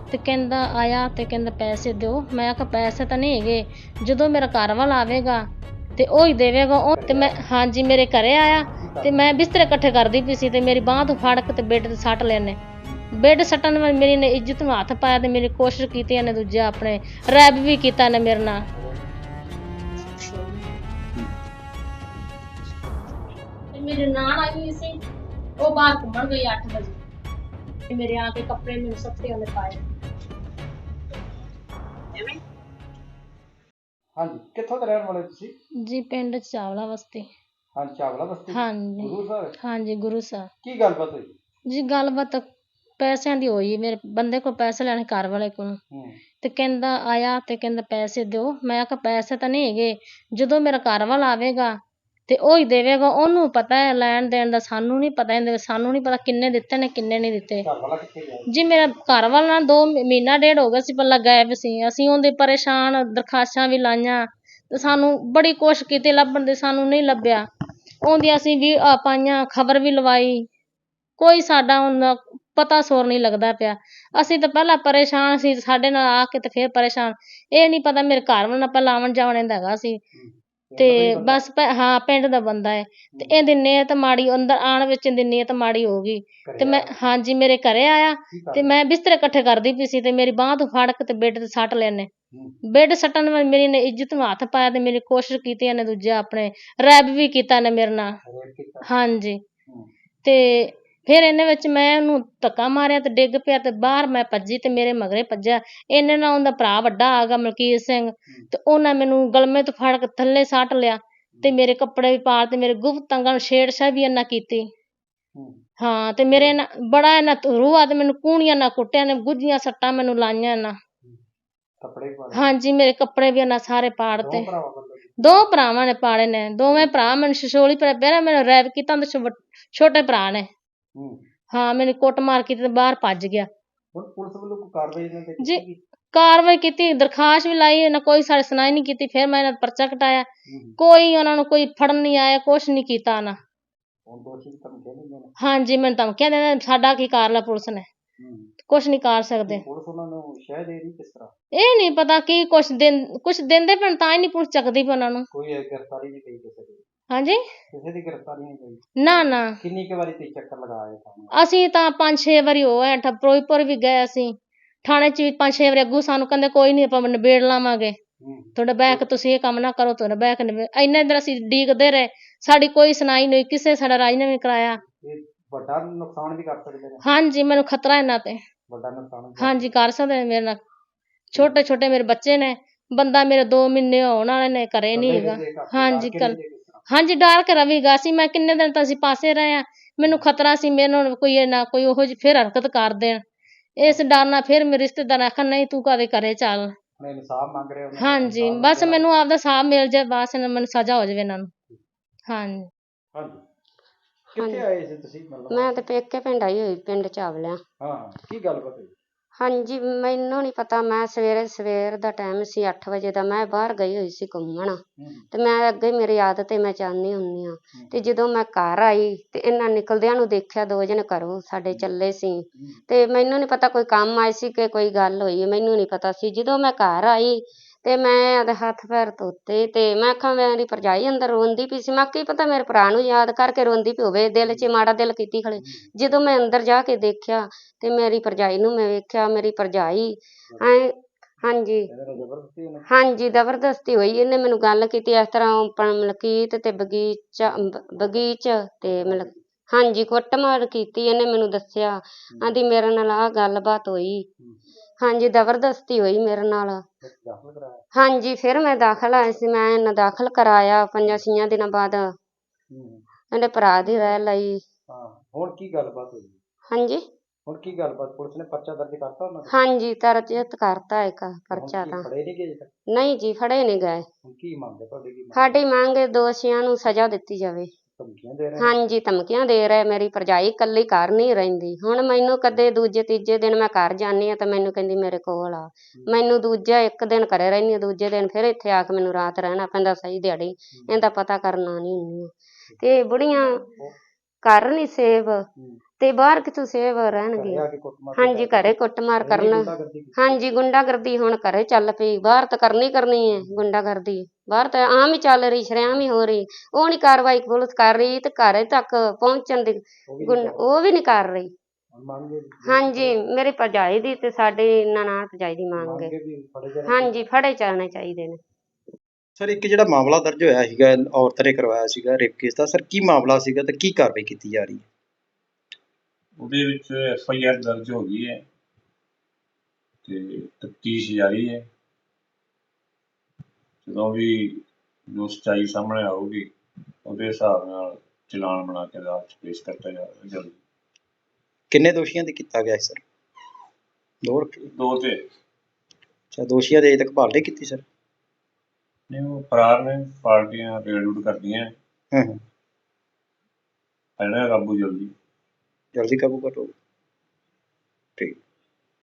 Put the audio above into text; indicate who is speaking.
Speaker 1: ਤੇ ਕਹਿੰਦਾ ਆਇਆ ਤੇ ਕਹਿੰਦਾ ਪੈਸੇ ਦਿਓ। ਮੈਂ ਕਿਹਾ ਪੈਸੇ ਤਾਂ ਨਹੀਂ ਹੈਗੇ, ਜਦੋਂ ਮੇਰਾ ਘਰ ਵਾਲਾ ਆਵੇਗਾ ਤੇ ਉਹ ਹੀ ਦੇਵੇਗਾ। ਉਹ ਤੇ ਮੈਂ ਹਾਂਜੀ ਮੇਰੇ ਘਰੇ ਆਇਆ ਤੇ ਮੈਂ ਬਿਸਤਰੇ ਇਕੱਠੇ ਕਰਦੀ ਪਈ ਸੀ ਤੇ ਮੇਰੀ ਬਾਂਹ ਤੋਂ ਫੜ ਕੇ ਤੇ ਬੈੱਡ ਤੇ ਸੱਟ ਲੈਨੇ। ਬੈੱਡ ਸੱਟਣ ਨਾਲ ਮੇਰੀ ਨੇ ਇੱਜ਼ਤ ਨੂੰ ਹੱਥ ਪਾਇਆ ਤੇ ਮੇਰੀ ਕੋਸ਼ਿਸ਼ ਕੀਤੀ ਇਹਨੇ, ਦੂਜਾ ਆਪਣੇ ਰੈਪ ਵੀ ਕੀਤਾ ਇਹਨੇ ਮੇਰੇ ਨਾਲ। ਤੇ ਮੇਰੇ ਨਾਲ ਆਈ ਸੀ, ਉਹ ਬਾਹਰ ਘੁੰਮਣ ਗਈ 8 ਵਜੇ ਤੇ ਮੇਰੇ ਆ ਕੇ ਕੱਪੜੇ ਮੈਨੂੰ ਸੱਤੇ ਉਹਨੇ ਪਾਏ।
Speaker 2: ਹਾਂਜੀ, ਕਿੱਥੋਂ ਦੇ ਰਹਿਣ ਵਾਲੇ ਤੁਸੀਂ?
Speaker 1: ਜੀ ਪਿੰਡ ਚਾਵਲਾ ਬਸਤੀ।
Speaker 2: ਹਾਂਜੀ, ਚਾਵਲਾ ਬਸਤੀ।
Speaker 1: ਹਾਂਜੀ
Speaker 2: ਗੁਰੂ ਸਾਹਿਬ।
Speaker 1: ਹਾਂਜੀ ਗੁਰੂ ਸਾਹਿਬ।
Speaker 2: ਕੀ ਗੱਲਬਾਤ ਹੋਈ?
Speaker 1: ਜੀ ਗੱਲਬਾਤ ਪੈਸਿਆਂ ਦੀ ਹੋਈ। ਮੇਰੇ ਬੰਦੇ ਕੋਲ ਪੈਸੇ ਲੈਣੇ, ਘਰ ਵਾਲੇ ਕੋਲ, ਤੇ ਕਹਿੰਦਾ ਆਇਆ ਤੇ ਕਹਿੰਦਾ ਪੈਸੇ ਦਿਓ। ਮੈਂ ਕਿਹਾ ਪੈਸੇ ਤਾਂ ਨਹੀਂ ਹੈਗੇ, ਜਦੋਂ ਮੇਰਾ ਘਰ ਵਾਲਾ ਆਵੇਗਾ ਤੇ ਉਹ ਹੀ ਦੇਵੇਗਾ। ਉਹਨੂੰ ਪਤਾ ਹੈ ਲੈਣ ਦੇਣ ਦਾ, ਸਾਨੂੰ ਨਹੀਂ ਪਤਾ। ਇਹਦੇ ਸਾਨੂੰ ਨਹੀਂ ਪਤਾ ਕਿੰਨੇ ਦਿੱਤੇ ਨੇ ਕਿੰਨੇ ਨਹੀਂ ਦਿੱਤੇ।
Speaker 2: ਘਰ ਵਾਲਾ ਕਿੱਥੇ ਗਿਆ?
Speaker 1: ਜੀ ਮੇਰਾ ਘਰ ਵਾਲਾ ਨਾ 2 ਮਹੀਨਾ ਡੇਢ ਹੋ ਗਿਆ ਸੀ ਪਹਿਲਾਂ ਗਾਇਬ ਸੀ। ਅਸੀਂ ਉਹਦੇ ਪਰੇਸ਼ਾਨ, ਦਰਖਾਸ਼ਾਂ ਵੀ ਲਾਈਆਂ ਤੇ ਸਾਨੂੰ ਬੜੀ ਕੋਸ਼ਿਸ਼ ਕੀਤੀ ਲੱਭਣ ਦੀ, ਸਾਨੂੰ ਨਹੀਂ ਲੱਭਿਆ। ਉਹਦੀ ਅਸੀਂ ਵੀ ਪਾਈਆਂ, ਖਬਰ ਵੀ ਲਵਾਈ, ਕੋਈ ਸਾਡਾ ਹੁਣ ਪਤਾ ਸੋਰ ਨਹੀਂ ਲੱਗਦਾ ਪਿਆ। ਅਸੀਂ ਤਾਂ ਪਹਿਲਾਂ ਪਰੇਸ਼ਾਨ ਸੀ, ਸਾਡੇ ਨਾਲ ਆ ਕੇ ਤੇ ਫਿਰ ਪਰੇਸ਼ਾਨ। ਇਹ ਨਹੀਂ ਪਤਾ ਮੇਰੇ ਘਰ ਵਾਲਾ ਨਾਲ ਪਹਿਲਾਂ ਆਉਣ ਜਾਣ ਇਹਦਾ ਹੈਗਾ ਸੀ ਤੇ ਬਸ ਹਾਂ ਪਿੰਡ ਦਾ ਬੰਦਾ ਹੈ ਤੇ ਇਹਦੀ ਨੀਅਤ ਮਾੜੀ, ਅੰਦਰ ਆਉਣ ਵਿੱਚ ਇਹਦੀ ਨੀਅਤ ਮਾੜੀ ਹੋ ਗਈ। ਤੇ ਮੈਂ ਹਾਂਜੀ ਮੇਰੇ ਘਰੇ ਆਇਆ ਤੇ ਮੈਂ ਬਿਸਤਰੇ ਇਕੱਠੇ ਕਰਦੀ ਪਈ ਸੀ ਤੇ ਮੇਰੀ ਬਾਂਹ ਤੋਂ ਫੜ ਕੇ ਤੇ ਬੈੱਡ ਤੇ ਸੱਟ ਲੈਨੇ। ਬੈੱਡ ਸੱਟਣ ਨਾਲ ਮੇਰੀ ਨੇ ਇੱਜ਼ਤ ਨੂੰ ਹੱਥ ਪਾਇਆ ਤੇ ਮੇਰੀ ਕੋਸ਼ਿਸ਼ ਕੀਤੀ ਇਹਨੇ, ਦੂਜਾ ਆਪਣੇ ਰੈਪ ਵੀ ਕੀਤਾ ਇਹਨੇ ਮੇਰੇ ਨਾਲ। ਹਾਂਜੀ ਤੇ ਫਿਰ ਇਹਨੇ ਵਿੱਚ ਮੈਂ ਉਹਨੂੰ ਧੱਕਾ ਮਾਰਿਆ ਤੇ ਡਿੱਗ ਪਿਆ ਤੇ ਬਾਹਰ ਮੈਂ ਭੱਜੀ ਤੇ ਮੇਰੇ ਮਗਰੇ ਭੱਜਿਆ। ਇਹਨੇ ਨਾਲ ਉਹਦਾ ਭਰਾ ਵੱਡਾ ਆ ਗਿਆ ਮਲਕੀਤ ਸਿੰਘ ਤੇ ਉਹਨਾਂ ਮੈਨੂੰ ਗਲਮੇ ਤੋਂ ਫੜ ਕੇ ਥੱਲੇ ਸੱਟ ਲਿਆ ਤੇ ਮੇਰੇ ਕੱਪੜੇ ਵੀ ਪਾੜ ਤੇ ਮੇਰੇ ਗੁਪਤ ਅੰਗਾਂ ਨੂੰ ਛੇੜਛਾੜ ਵੀ ਇਹਨਾਂ ਕੀਤੀ। ਹਾਂ ਤੇ ਮੇਰੇ ਬੜਾ ਇਹਨਾਂ ਰੂਹਾ ਤੇ ਮੈਨੂੰ ਕੂਣੀਆਂ ਨਾਲ ਕੁੱਟਿਆ ਨੇ, ਗੁੱਝੀਆਂ ਸੱਟਾਂ ਮੈਨੂੰ ਲਾਈਆਂ ਇਹਨਾਂ। ਹਾਂਜੀ ਮੇਰੇ ਕੱਪੜੇ ਵੀ ਇਹਨਾਂ ਸਾਰੇ ਪਾੜ ਤੇ। 2 ਭਰਾਵਾਂ ਨੇ ਪਾੜੇ ਨੇ, ਦੋਵੇਂ ਭਰਾ ਮੈਨੂੰ ਛਛੋਲੀ ਪਰ ਪਹਿਲਾਂ ਮੈਨੂੰ ਰੈਪ ਕੀਤਾ ਤੇ ਛੋਟੇ ਭਰਾ ਨੇ। ਹਾਂ ਮੈਨੂੰ ਕੁੱਟ ਮਾਰ ਕੀਤੀ ਤੇ ਬਾਹਰ ਭੱਜ ਗਿਆ।
Speaker 2: ਹੁਣ ਪੁਲਿਸ ਵੱਲੋਂ ਕੋਈ ਕਾਰਵਾਈ ਇਹਨਾਂ ਤੇ
Speaker 1: ਜੀ
Speaker 2: ਕੀਤੀ?
Speaker 1: ਕਾਰਵਾਈ ਕੀਤੀ, ਦਰਖਾਸਤ ਵੀ ਲਾਈ, ਇਹਨਾਂ ਕੋਈ ਸਾਡੀ ਸੁਣਾਈ ਨਹੀਂ ਕੀਤੀ। ਫਿਰ ਮੈਂ ਇਹਨਾਂ ਦਾ ਪਰਚਾ ਕਟਾਇਆ, ਕੋਈ ਉਹਨਾਂ ਨੂੰ ਕੋਈ ਫੜਨ ਨਹੀਂ ਆਇਆ, ਕੁਛ ਨਹੀਂ ਕੀਤਾ ਉਹਨਾਂ।
Speaker 2: ਹੁਣ ਦੋਸ਼ੀ ਧਮਕੀਆਂ ਦਿੰਦੇ ਨੇ?
Speaker 1: ਹਾਂਜੀ ਮੈਨੂੰ ਧਮਕੀਆਂ ਦਿੰਦੇ ਨੇ, ਸਾਡਾ ਕੀ ਕਰ ਲਿਆ ਪੁਲਿਸ ਨੇ, ਕੁਛ ਨਹੀਂ ਕਰ ਸਕਦੇ।
Speaker 2: ਪੁਲਿਸ ਉਹਨਾਂ ਨੂੰ ਸ਼ਹਿ ਦੇ ਰਹੀ ਕਿਸ ਤਰ੍ਹਾਂ?
Speaker 1: ਇਹ ਨਹੀਂ ਪਤਾ ਕੀ ਕੁਛ ਦਿੰਦੇ ਪੈਣ ਤਾਂ ਹੀ ਨਹੀਂ ਪੁਲਿਸ ਚੱਕਦੀ ਪਈ ਉਹਨਾਂ ਨੂੰ।
Speaker 2: ਕੋਈ ਗ੍ਰਿਫਤਾਰੀ ਨਹੀਂ ਪਈ ਕਿਸੇ ਦੀ?
Speaker 1: ਹਾਂਜੀ
Speaker 2: ਕਿਸੇ ਦੀ ਗ੍ਰਿਫਤਾਰੀ ਨਹੀਂ ਪਈ?
Speaker 1: ਨਾ ਨਾ।
Speaker 2: ਕਿੰਨੀ ਕੁ ਵਾਰੀ ਤੁਸੀਂ ਚੱਕਰ ਲਗਾਏ ਥਾਣੇ?
Speaker 1: ਅਸੀਂ ਤਾਂ 5-6 ਵਾਰੀ ਹੋਏ, ਫਿਰੋਜ਼ਪੁਰ ਵੀ ਗਏ ਅਸੀਂ, ਥਾਣੇ 'ਚ ਵੀ 5-6 ਵਾਰੀ। ਅੱਗੂ ਸਾਨੂੰ ਕਹਿੰਦੇ ਕੋਈ ਨਹੀਂ ਆਪਾਂ ਨਿਬੇੜ ਲਾਵਾਂਗੇ, ਤੁਹਾਡਾ ਬਹਿ ਕੇ ਤੁਸੀਂ ਇਹ ਕੰਮ ਨਾ ਕਰੋ, ਤੁਹਾਡਾ ਬਹਿ ਕੇ ਇੰਨੇ ਦਿਨ ਅਸੀਂ ਡੀਕਦੇ ਰਹੇ, ਸਾਡੀ ਕੋਈ ਸੁਣਾਈ ਨਹੀਂ, ਕਿਸੇ ਸਾਡਾ ਰਾਜੀਨਾਮਾ ਨਹੀਂ ਕਰਾਇਆ।
Speaker 2: ਇਹ ਵੱਡਾ ਨੁਕਸਾਨ ਵੀ ਕਰ ਸਕਦੇ ਨੇ?
Speaker 1: ਹਾਂਜੀ ਮੈਨੂੰ ਖਤਰਾ ਇਹਨਾਂ ਤੇ।
Speaker 2: ਵੱਡਾ ਨੁਕਸਾਨ
Speaker 1: ਹਾਂਜੀ ਕਰ ਸਕਦੇ ਨੇ ਮੇਰੇ ਨਾਲ। ਛੋਟੇ ਛੋਟੇ ਮੇਰੇ ਬੱਚੇ ਨੇ, ਬੰਦਾ ਮੇਰੇ 2 ਮਹੀਨੇ ਹੋਣ ਵਾਲੇ ਨੇ, ਘਰੇ ਨਹੀਂ ਹੈਗਾ। ਹਾਂਜੀ ਹਾਂਜੀ ਡਰ ਕੇ ਰਵੀਗਾ ਸੀ ਮੈਂ, ਕਿੰਨੇ ਦਿਨ ਤਾਂ ਅਸੀਂ ਪਾਸੇ ਰਹੇ ਆ, ਮੈਨੂੰ ਖਤਰਾ ਸੀ ਮੈਨੂੰ ਕੋਈ ਨਾ ਕੋਈ ਉਹੋ ਜਿਹੀ ਫਿਰ ਹਰਕਤ ਕਰ ਦੇਣ, ਇਸ ਡਰ ਨਾਲ ਫਿਰ ਮੇਰੇ ਰਿਸ਼ਤੇਦਾਰ ਆਖਣ ਨਹੀਂ ਤੂੰ ਕਦੇ ਘਰੇ ਚੱਲ।
Speaker 2: ਇਨਸਾਫ ਮੰਗ ਰਹੇ ਹੋ?
Speaker 1: ਹਾਂਜੀ ਬਸ ਮੈਨੂੰ ਆਪਦਾ ਸਾਹਬ ਮਿਲ ਜਾਏ, ਬਸ ਮੈਨੂੰ ਸਜ਼ਾ ਹੋ ਜਾਵੇ ਇਹਨਾਂ ਨੂੰ। ਹਾਂਜੀ
Speaker 2: ਹਾਂਜੀ ਕਿੱਥੇ ਆਏ ਸੀ ਤੁਸੀਂ?
Speaker 3: ਮੈਂ ਤੇ ਪੇਕੇ ਪਿੰਡ ਆਈ ਹੋਈ, ਪਿੰਡ ਚਾਵਲਿਆਂ।
Speaker 2: ਹਾਂ ਕੀ ਗੱਲਬਾਤ ਹੋਈ?
Speaker 3: ਹਾਂਜੀ ਮੈਨੂੰ ਨਹੀਂ ਪਤਾ, ਮੈਂ ਸਵੇਰ ਦਾ ਟਾਈਮ ਸੀ 8 ਵਜੇ ਦਾ, ਮੈਂ ਬਾਹਰ ਗਈ ਹੋਈ ਸੀ ਘੁੰਮਣ ਤੇ ਮੈਂ ਅੱਗੇ ਮੇਰੀ ਆਦਤ ਹੈ ਮੈਂ ਜਾਂਦੀ ਹੁੰਦੀ ਹਾਂ। ਤੇ ਜਦੋਂ ਮੈਂ ਘਰ ਆਈ ਤੇ ਇਹਨਾਂ ਨਿਕਲਦਿਆਂ ਨੂੰ ਦੇਖਿਆ, 2 ਜਣੇ ਘਰੋਂ ਸਾਡੇ ਚੱਲੇ ਸੀ ਤੇ ਮੈਨੂੰ ਨਹੀਂ ਪਤਾ ਕੋਈ ਕੰਮ ਆਏ ਸੀ ਕਿ ਕੋਈ ਗੱਲ ਹੋਈ, ਮੈਨੂੰ ਨਹੀਂ ਪਤਾ ਸੀ। ਜਦੋਂ ਮੈਂ ਘਰ ਆਈ ਤੇ ਮੈਂ ਆਪਦੇ ਹੱਥ ਪੈਰ ਧੋਤੇ ਤੇ ਮੈਂ ਆਖਾਂ ਮੇਰੀ ਭਰਜਾਈ ਅੰਦਰ ਰੋਂਦੀ ਪਈ ਸੀ, ਮੈਂ ਕੀ ਪਤਾ ਮੇਰੇ ਭਰਾ ਨੂੰ ਯਾਦ ਕਰਕੇ ਰੋਂਦੀ ਪਈ ਹੋਵੇ, ਦਿਲ 'ਚ ਮਾੜਾ ਦਿਲ ਕੀਤੀ ਖੜੇ। ਜਦੋਂ ਮੈਂ ਅੰਦਰ ਜਾ ਕੇ ਦੇਖਿਆ ਤੇ ਮੇਰੀ ਭਰਜਾਈ ਨੂੰ ਮੈਂ ਵੇਖਿਆ, ਮੇਰੀ ਭਰਜਾਈ ਹਾਂਜੀ ਹਾਂਜੀ ਜ਼ਬਰਦਸਤੀ ਹੋਈ। ਇਹਨੇ ਮੈਨੂੰ ਗੱਲ ਕੀਤੀ ਇਸ ਤਰ੍ਹਾਂ ਮਲਕੀਤ ਤੇ ਬਗੀਚ ਤੇ ਮਤਲਬ ਹਾਂਜੀ ਕੁੱਟਮਾਰ ਕੀਤੀ। ਇਹਨੇ ਮੈਨੂੰ ਦੱਸਿਆ, ਆਂਦੀ ਮੇਰੇ ਨਾਲ ਆਹ ਗੱਲਬਾਤ ਹੋਈ। ਹਾਂਜੀ ਜ਼ਬਰਦਸਤੀ ਹੋਈ ਮੇਰੇ ਨਾਲ। ਹਾਂਜੀ ਫਿਰ ਮੈਂ ਦਾਖਲ ਆਈ ਸੀ, ਮੈਂ ਇਹਨਾਂ ਦਾਖਲ ਕਰਾਇਆ 5-6 ਦਿਨਾਂ ਬਾਅਦ। ਇਹਦੇ ਭਰਾ ਦੀ ਰਹਿ ਲਈ।
Speaker 2: ਹੁਣ ਕੀ ਗੱਲਬਾਤ ਹੋਈ?
Speaker 3: ਹਾਂਜੀ
Speaker 2: ਹੁਣ ਕੀ ਗੱਲਬਾਤ? ਪੁਲਿਸ ਨੇ ਪਰਚਾ ਦਰਜ ਕਰਤਾ ਉਹਨਾਂ ਦਾ?
Speaker 3: ਹਾਂਜੀ ਦਰਜ ਕਰਤਾ ਇੱਕ ਪਰਚਾ ਤਾਂ।
Speaker 2: ਫੜੇ ਨਹੀਂ ਗਏ?
Speaker 3: ਨਹੀਂ ਜੀ ਫੜੇ ਨਹੀਂ ਗਏ।
Speaker 2: ਕੀ ਮੰਗ ਹੈ ਤੁਹਾਡੀ? ਕੀ
Speaker 3: ਸਾਡੀ ਮੰਗ ਹੈ ਦੋਸ਼ੀਆਂ ਨੂੰ ਸਜ਼ਾ ਦਿੱਤੀ ਜਾਵੇ।
Speaker 2: ਧਮਕੀਆਂ ਦੇ ਰਹੇ?
Speaker 3: ਹਾਂਜੀ ਧਮਕੀਆਂ ਦੇ ਰਹੇ। ਮੇਰੀ ਭਰਜਾਈ ਇਕੱਲੀ ਘਰ ਨਹੀਂ ਰਹਿੰਦੀ, ਹੁਣ ਮੈਨੂੰ ਕਦੇ ਦੂਜੇ ਤੀਜੇ ਦਿਨ ਮੈਂ ਘਰ ਜਾਂਦੀ ਹਾਂ ਤਾਂ ਮੈਨੂੰ ਕਹਿੰਦੀ ਮੇਰੇ ਕੋਲ ਆ, ਮੈਨੂੰ ਦੂਜਾ 1 ਦਿਨ ਘਰੇ ਰਹਿੰਦੀ ਹਾਂ, ਦੂਜੇ ਦਿਨ ਫਿਰ ਇੱਥੇ ਆ ਕੇ ਮੈਨੂੰ ਰਾਤ ਰਹਿਣਾ ਪੈਂਦਾ ਸਹੀ ਦਿਹਾੜੀ, ਇਹਦਾ ਪਤਾ ਕਰਨਾ ਨਹੀਂ ਹੁੰਦੀ। ਤੇ ਬੁੜੀਆਂ ਘਰ ਨਹੀਂ ਸੇਵ ਤੇ ਬਾਹਰ ਕਿਥੋਂ ਸੇਵ
Speaker 2: ਘਰੇ
Speaker 3: ਰਹਿਣਗੇ।
Speaker 2: ਆ ਕੇ ਕੁੱਟਮਾਰ
Speaker 3: ਹਾਂਜੀ ਘਰੇ ਕੁੱਟਮਾਰ
Speaker 2: ਇੰਨੀ
Speaker 3: ਕਰਨ।
Speaker 2: ਗੁੰਡਾਗਰਦੀ ਕੀਤੀ?
Speaker 3: ਹਾਂਜੀ ਗੁੰਡਾਗਰਦੀ ਹੁਣ ਘਰੇ ਚੱਲ ਪਈ, ਬਾਹਰ ਤਾਂ ਕਰਨੀ ਕਰਨੀ ਹੈ ਗੁੰਡਾਗਰਦੀ, ਬਾਹਰ ਤਾਂ ਆਮ ਹੀ ਚੱਲ ਰਹੀ, ਸ਼ਰੇਆਮ ਹੀ ਹੋ ਰਹੀ। ਉਹ ਨਹੀਂ ਕਾਰਵਾਈ ਪੁਲਿਸ ਕਰ ਰਹੀ ਤੇ ਘਰੇ ਤੱਕ ਪਹੁੰਚਣ ਦੀ ਉਹ ਵੀ ਨਹੀਂ ਕਰ ਰਹੀ।
Speaker 2: ਹੁਣ ਮੰਗ ਇਹ
Speaker 3: ਹਾਂਜੀ ਮੇਰੇ ਭਰਜਾਈ ਦੀ ਤੇ ਸਾਡੇ ਨਨਾਣ ਭਰਜਾਈ ਦੀ ਮੰਗ ਹੈ।
Speaker 2: ਮੰਗ ਇਹ ਵੀ ਫੜੇ ਜਾਣੇ
Speaker 3: ਹਾਂਜੀ ਫੜੇ ਜਾਣੇ ਚਾਹੀਦੇ ਨੇ।
Speaker 4: ਸਰ ਇੱਕ ਜਿਹੜਾ ਮਾਮਲਾ ਦਰਜ ਹੋਇਆ ਸੀਗਾ ਔਰਤ ਨੇ ਕਰਵਾਇਆ ਸੀਗਾ ਰੇਪ ਕੇਸ ਦਾ, ਸਰ ਕੀ ਮਾਮਲਾ ਸੀਗਾ ਤੇ ਕੀ ਕਾਰਵਾਈ ਕੀਤੀ ਜਾ ਰਹੀ ਹੈ?
Speaker 5: ਉਹਦੇ ਵਿੱਚ FIR ਦਰਜ ਹੋ ਗਈ ਹੈ ਤੇ ਤਫਤੀਸ਼ ਜਾਰੀ ਹੈ। ਜਦੋਂ ਵੀ ਜੋ ਸੱਚਾਈ ਸਾਹਮਣੇ ਆਊਗੀ ਉਹਦੇ ਹਿਸਾਬ ਨਾਲ ਚਲਾਨ ਬਣਾ ਕੇ ਅਦਾਲਤ 'ਚ ਪੇਸ਼ ਕੀਤਾ ਜਾਵੇਗਾ ਜਲਦੀ।
Speaker 4: ਕਿੰਨੇ ਦੋਸ਼ੀਆਂ ਤੇ ਕੀਤਾ ਗਿਆ ਸਰ?
Speaker 5: ਦੋ ਤੇ
Speaker 4: ਅੱਛਾ, ਦੋਸ਼ੀਆਂ ਦੇ ਅਜੇ ਤੱਕ ਭਾਲ ਨਹੀਂ ਕੀਤੀ ਸਰ?
Speaker 5: ਨਹੀਂ ਉਹ ਫਰਾਰ ਨੇ, ਪਾਰਟੀਆਂ ਰੇਡ ਰੂਡ ਕਰਦੀਆਂ
Speaker 4: ਹੂੰ
Speaker 5: ਇਹਨਾਂ ਕਾਬੂ ਜਲਦੀ।
Speaker 4: ਜਲਦੀ ਕਾਬੂ ਕਰੋ।